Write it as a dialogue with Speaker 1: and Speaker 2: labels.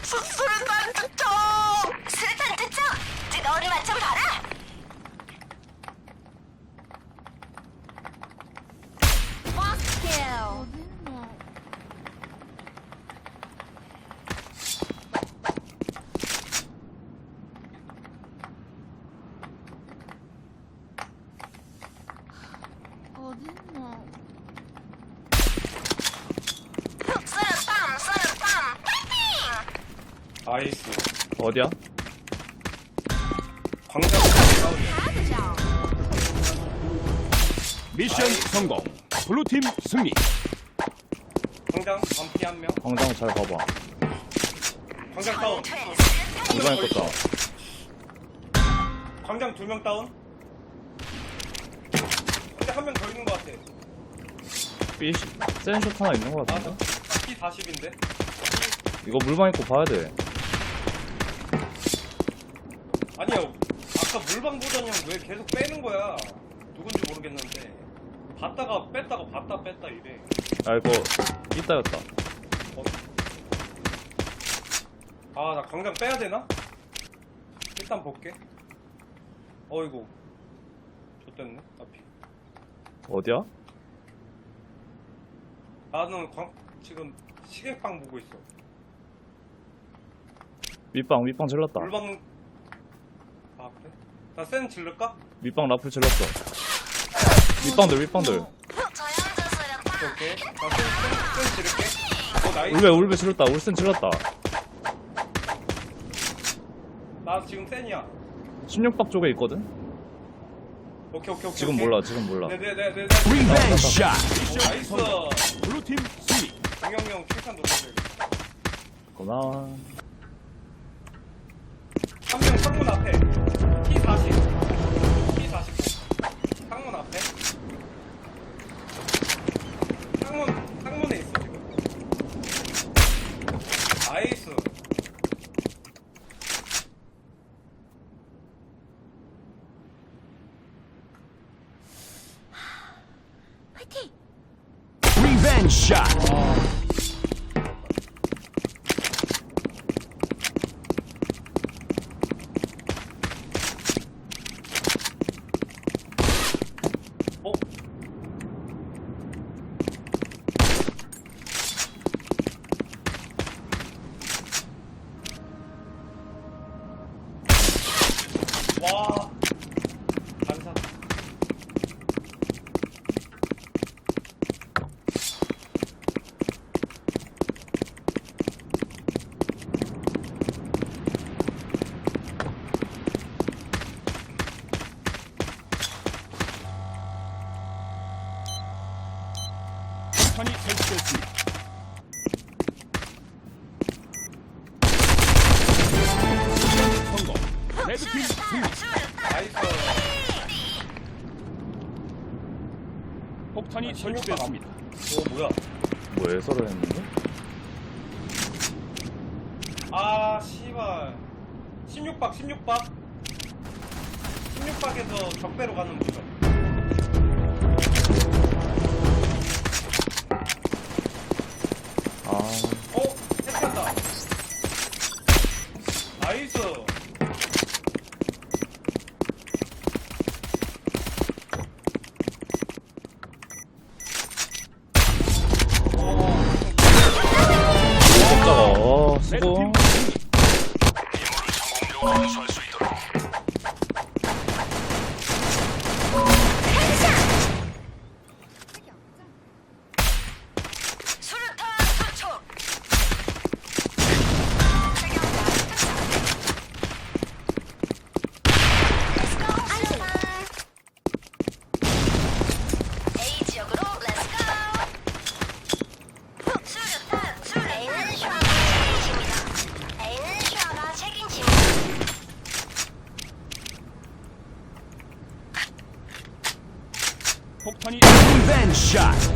Speaker 1: 수류탄 투척! 수류탄 투척! 뜨거운 맛 좀 봐라!
Speaker 2: 어딨노?
Speaker 1: 수류탄! 수류탄! 파이팅!
Speaker 3: 아이스.
Speaker 4: 어디야?
Speaker 3: 광장 다운이야.
Speaker 1: 가보자!
Speaker 5: 미션 성공. 블루팀 승리.
Speaker 3: 광장 반피 한 명.
Speaker 4: 광장 잘 봐봐.
Speaker 3: 광장 다운.
Speaker 4: 이번에 껐다.
Speaker 3: 광장 2명 다운. 근데 한 명 더 있는 것 같아.
Speaker 4: B 센슛 하나 있는 거
Speaker 3: 아,
Speaker 4: 같은데?
Speaker 3: P40인데?
Speaker 4: 이거 물방 입고 봐야 돼.
Speaker 3: 아니요. 아까 물방 보던 형 왜 계속 빼는 거야? 누군지 모르겠는데. 봤다가 뺐다가 봤다 뺐다 이래.
Speaker 4: 아 이거 이따였다.
Speaker 3: 아, 나 광장 빼야 되나? 일단 볼게. 어이구. 좋댔네, 앞이.
Speaker 4: 어디야?
Speaker 3: 나는 지금 시계방 보고 있어.
Speaker 4: 밑방 질렀다.
Speaker 3: 물방. 아, 그래? 나 센 질를까?
Speaker 4: 밑방 라플 질렀어. 밑방들.
Speaker 1: 저염자 수류탄!
Speaker 3: 오케이. 나센 지를게. 나이스.
Speaker 4: 울베 질렀다. 울센 질렀다.
Speaker 3: 나 지금 센이야.
Speaker 4: 16박 쪽에 있거든?
Speaker 3: 오케이.
Speaker 4: 지금 몰라.
Speaker 3: 네네네네.
Speaker 5: 리벤지 샷.
Speaker 3: 나이스.
Speaker 5: 블루팀 승리.
Speaker 3: 동영형 킬탄 놓쳐줘야겠다.
Speaker 4: 고마워.
Speaker 3: 한 명 창문 앞에. P49. 창문 앞에. 창문에 있어, 지금. 나이스.
Speaker 1: 파이팅!
Speaker 5: 리벤지 샷.
Speaker 3: 어? 와. 반사.
Speaker 5: 폭탄이 설치됐습니다. 미션 성공. 레드팀 승리.
Speaker 3: 나이스.
Speaker 5: 폭탄이 설치됐습니다.
Speaker 3: 뭐야?
Speaker 4: 뭐에 서로 했는데?
Speaker 3: 아, 씨발. 16박. 16박에서 적배로 가는 거죠.
Speaker 4: 아
Speaker 3: 해치한다. 나이스.
Speaker 4: 깜짝아. 수고.
Speaker 5: 레드팀 승리.
Speaker 1: 수류탄 투척! A 지역으로 렛츠고! 수류탄! A는 슈아가 책임집니다. A는 슈아가 책임집니다.
Speaker 5: 폭탄이 리벤지 샷.